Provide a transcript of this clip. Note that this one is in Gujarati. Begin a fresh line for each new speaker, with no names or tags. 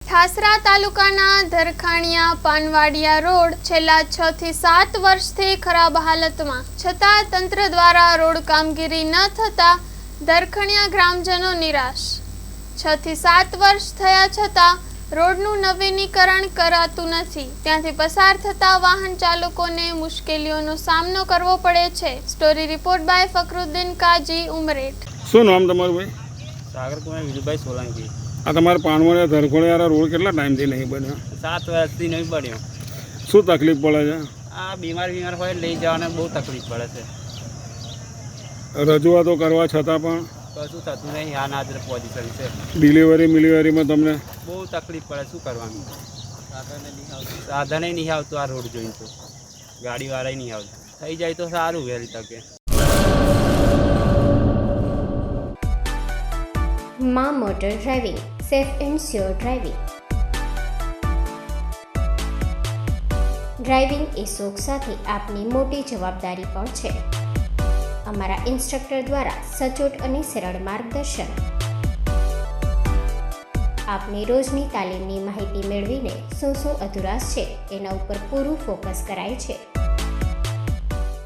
ઠાસરા તાલુકાના ધરખાણિયા પાનવાડિયા રોડ છેલ્લા 6 થી 7 વર્ષથી ખરાબ હાલતમાં, છતાં તંત્ર દ્વારા રોડ કામગીરી ન થતા ધરખણિયા ગ્રામજનો નિરાશ। 6 થી 7 વર્ષ થયા છતાં રોડનું નવીનીકરણ કરાતું નથી, ત્યાંથી પસાર થતા વાહન ચાલકોને મુશ્કેલીઓનો સામનો કરવો પડે છે। Story report by Fakruddin Kaji, Umreth.
શું નામ તમારું ભાઈ?
सागर कुमार विजयभाई सोलंकी।
આ તમારા પાનવાડિયા ધરખોડિયા રોડ કેટલા ટાઈમથી નહીં બન્યો?
7 વર્ષથી નહીં બન્યો।
શું તકલીફ પડે છે?
આ બીમાર હોય લઈ જવાને બહુ તકલીફ પડે છે।
રજૂઆતો કરવા છતાં પણ
કશું થતું નહીં। આ નાજર પોઝિશન છે।
ડિલિવરીમાં તમને
બહુ તકલીફ પડે। શું કરવાનું? સાધને નહીં આવતું। આ રોડ જોઈને તો ગાડીવાળા નહીં આવતું। થઈ જાય તો સારું વહેલી તકે।
માં motor driving, safe and sure driving. Driving એ શોખ સાથે આપની મોટી જવાબદારી પણ છે। અમારા ઇન્સ્ટ્રક્ટર દ્વારા સચોટ અને સરળ માર્ગદર્શન। આપની રોજની તાલીમની માહિતી મેળવીને શું અધુરાશ છે એના ઉપર પૂરું ફોકસ કરાય છે।